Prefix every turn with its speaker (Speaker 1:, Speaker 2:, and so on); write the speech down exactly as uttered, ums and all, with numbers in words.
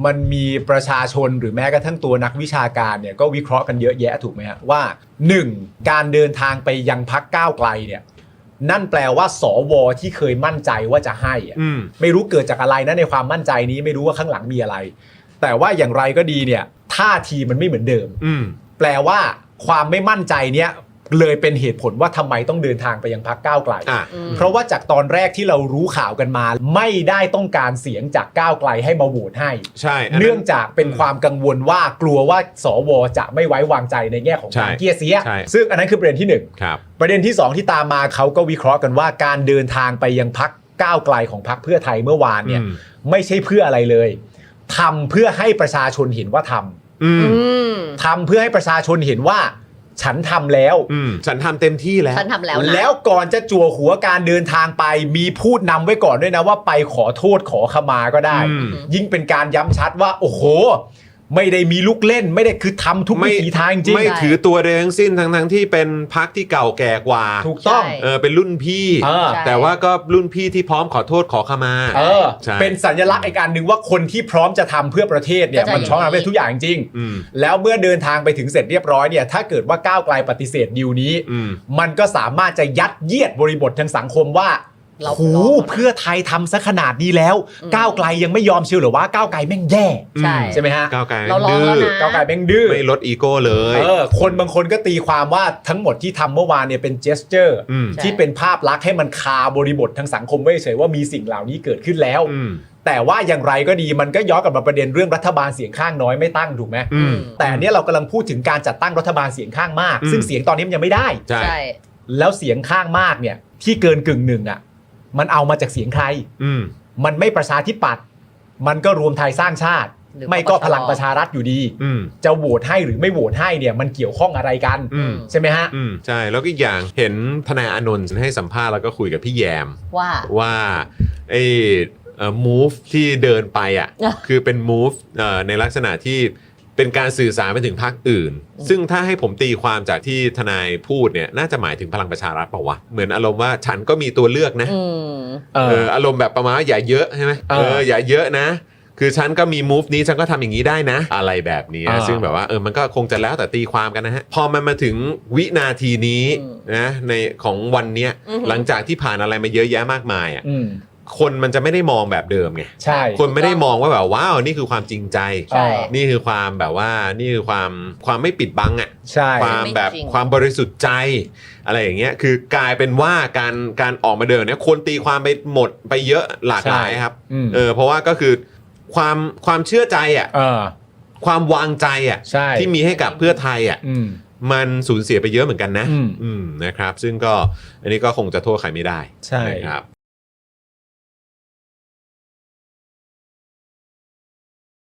Speaker 1: มันมีประชาชนหรือแม้กระทั่งตัวนักวิชาการเนี่ยก็วิเคราะห์กันเยอะแยะถูกไหมฮะว่าหนึ่งการเดินทางไปยังพรรคก้าวไกลเนี่ยนั่นแปลว่าสวที่เคยมั่นใจว่าจะให้อะไม่รู้เกิดจากอะไรนะในความมั่นใจนี้ไม่รู้ว่าข้างหลังมีอะไรแต่ว่าอย่างไรก็ดีเนี่ยท่าทีมันไม่เหมือนเดิมแปลว่าความไม่มั่นใจเนี้ยเลยเป็นเหตุผลว่าทำไมต้องเดินทางไปยังพรรคก้าวไกลเพราะว่าจากตอนแรกที่เรารู้ข่าวกันมาไม่ได้ต้องการเสียงจากก้าวไกลให้มาโหวตให้ใช่เนื่องจากเป็นความกังวลว่ากลัวว่าสวจะไม่ไว้วางใจในแง่ของการเกี้ยเสียซึ่งอันนั้นคือประเด็นที่หนึ่งประเด็นที่สองที่ตามมาเขาก็วิเคราะห์กันว่าการเดินทางไปยังพรรคก้าวไกลของพรรคเพื่อไทยเมื่อวานเนี่ยไม่ใช่เพื่ออะไรเลยทำเพื่อให้ประชาชนเห็นว่าทำทำเพื่อให้ประชาชนเห็นว่าฉันทำแล้ว
Speaker 2: ฉันทำเต็มที่แล้ว
Speaker 3: ฉันทำแล้วนะ
Speaker 1: แล้วก่อนจะจั่วหัวการเดินทางไปมีพูดนำไว้ก่อนด้วยนะว่าไปขอโทษขอขมาก็ได้ยิ่งเป็นการย้ำชัดว่าโอ้โหไม่ได้มีลูกเล่นไม่ได้คือทำทุกวิถีทางจริง
Speaker 2: ไม่ถือตัวเองสิ้นทั้งทั้งที่เป็นพรรคที่เก่าแก่กว่า
Speaker 1: ถูกต้อง
Speaker 2: เออเป็นรุ่นพี่แต่ว่าก็รุ่นพี่ที่พร้อมขอโทษขอขมา
Speaker 1: เออเป็นสัญลักษณ์อีกการหนึ่งว่าคนที่พร้อมจะทำเพื่อประเทศเนี่ยมันพร้อมทำให้ทุกอย่างจริงแล้วเมื่อเดินทางไปถึงเสร็จเรียบร้อยเนี่ยถ้าเกิดว่าก้าวไกลปฏิเสธดีลนี้มันก็สามารถจะยัดเยียดบริบททางสังคมว่าหูเพื่อไทยทำซะขนาดนี้แล้วก้าวไกลยังไม่ยอมเชียวหรือว่าก้าวไกลแม่งแย่
Speaker 3: ใช่
Speaker 1: ใช่ไหมฮะ
Speaker 2: ก้าวไกล
Speaker 3: เราลองแล้วนะ
Speaker 1: ก้าวไกลแม่งดื้อ
Speaker 2: ไม่ลดอีโก้เลย
Speaker 1: เออคนบางคนก็ตีความว่าทั้งหมดที่ทำเมื่อวานเนี่ยเป็นเจสเจอร์ที่เป็นภาพลักษณ์ให้มันคาบริบททางสังคมไว้เฉยว่ามีสิ่งเหล่านี้เกิดขึ้นแล้วแต่ว่าอย่างไรก็ดีมันก็ย้อนกลับมาประเด็นเรื่องรัฐบาลเสียงข้างน้อยไม่ตั้งถูกไหมแต่เนี้ยเรากำลังพูดถึงการจัดตั้งรัฐบาลเสียงข้างมากซึ่งเสียงตอนนี้มันยังไม่ได้
Speaker 2: ใช่
Speaker 1: แล้วเสียงข้างมากเนี่ยที่เกินกึ่งหนึ่งอ่ะมันเอามาจากเสียงใครมันไม่ประชาธิปัตย์มันก็รวมไทยสร้างชาติไม่ก็พลังประชารัฐอยู่ดีจะโหวตให้หรือไม่โหวตให้เนี่ยมันเกี่ยวข้องอะไรกันใช่ไหมฮะ
Speaker 2: ใช่แล้วก็อีกอย่างเห็นทนายอานนท์ให้สัมภาษณ์แล้วก็คุยกับพี่แยม
Speaker 3: ว่า
Speaker 2: ว่าไอ้เอ่อ move ที่เดินไปอ่ะคือเป็น move เอ่อในลักษณะที่เป็นการสื่อสารไปถึงพรรคอื่นซึ่งถ้าให้ผมตีความจากที่ทนายพูดเนี่ยน่าจะหมายถึงพลังประชารัฐเปล่าวะเหมือนอารมณ์ว่าฉันก็มีตัวเลือกนะเอออารมณ์แบบประมาณอย่าเยอะใช่ไหมเอออย่าเยอะนะคือฉันก็มี move นี้ฉันก็ทำอย่างนี้ได้นะอะไรแบบนี้ซึ่งแบบว่าเออมันก็คงจะแล้วแต่ตีความกันนะฮะพอมันมาถึงวินาทีนี้นะในของวันเนี้ยหลังจากที่ผ่านอะไรมาเยอะแยะมากมายอ่ะคนมันจะไม่ได้มองแบบเดิมไง
Speaker 1: ใช่
Speaker 2: คนไม่ได้มองว่าแบบว้าวนี่คือความจริงใจนี่คือความแบบว่านี่คือความความไม่ปิดบังอ่ะความแบบความบริสุทธิ์ใจอะไรอย่างเงี้ยคือกลายเป็นว่าการการออกมาเดินเนี่ยคนตีความไปหมดไปเยอะหลากหลายครับเออเพราะว่าก็คือความความเชื่อใจอ่ะความวางใจอ่ะที่มีให้กับเพื่อไทยอ่ะมันสูญเสียไปเยอะเหมือนกันนะอืมนะครับซึ่งก็อันนี้ก็คงจะโทษใครไม่ได้
Speaker 1: ใช่
Speaker 2: ครับ